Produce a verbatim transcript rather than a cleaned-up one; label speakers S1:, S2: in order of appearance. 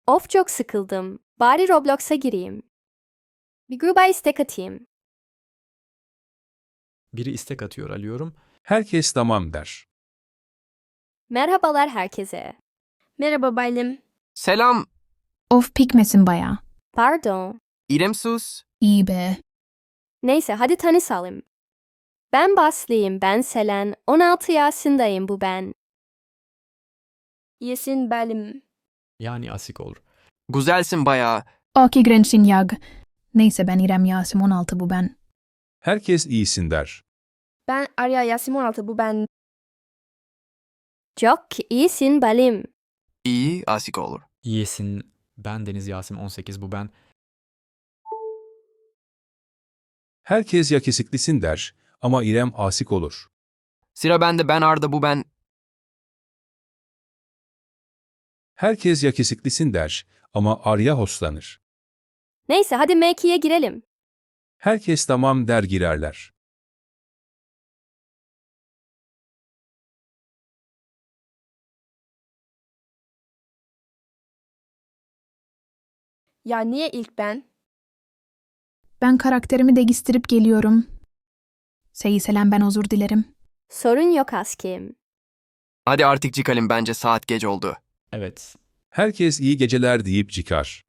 S1: Of çok sıkıldım. Bari Roblox'a gireyim. Bir gruba istek atayım.
S2: Biri istek atıyor, alıyorum.
S3: Herkes tamam der.
S1: Merhabalar herkese.
S4: Merhaba Baylim.
S5: Selam,
S6: Of pikmesin bayağı.
S1: Pardon.
S5: İrem sus.
S6: İyi be.
S1: Neyse hadi tanışalım. Ben Baslıyım, ben Selen. on altı yaşındayım bu ben.
S4: Yesin Baylim.
S2: Yani asik olur.
S5: Güzelsin bayağı.
S6: Aki Grensin Yag. Neyse ben İrem Yasim on altı bu ben.
S3: Herkes iyisin der.
S4: Ben Arya Yasim on altı bu ben.
S1: Çok iyisin Balim.
S5: İyi, asik olur.
S2: Yesin. Ben Deniz Yasim on sekiz, bu ben.
S3: Herkes yakışıklısın der ama İrem asik olur.
S5: Sıra bende, ben Arda bu ben.
S3: Herkes yakışıklısın der ama Arya hoslanır.
S1: Neyse hadi M ikiye girelim.
S3: Herkes tamam der girerler.
S4: Ya niye ilk ben?
S6: Ben karakterimi değiştirip geliyorum. Seyiselen ben özür dilerim.
S1: Sorun yok askim.
S5: Hadi artık çıkalım, bence saat geç oldu.
S2: Evet.
S3: Herkes iyi geceler deyip çıkar.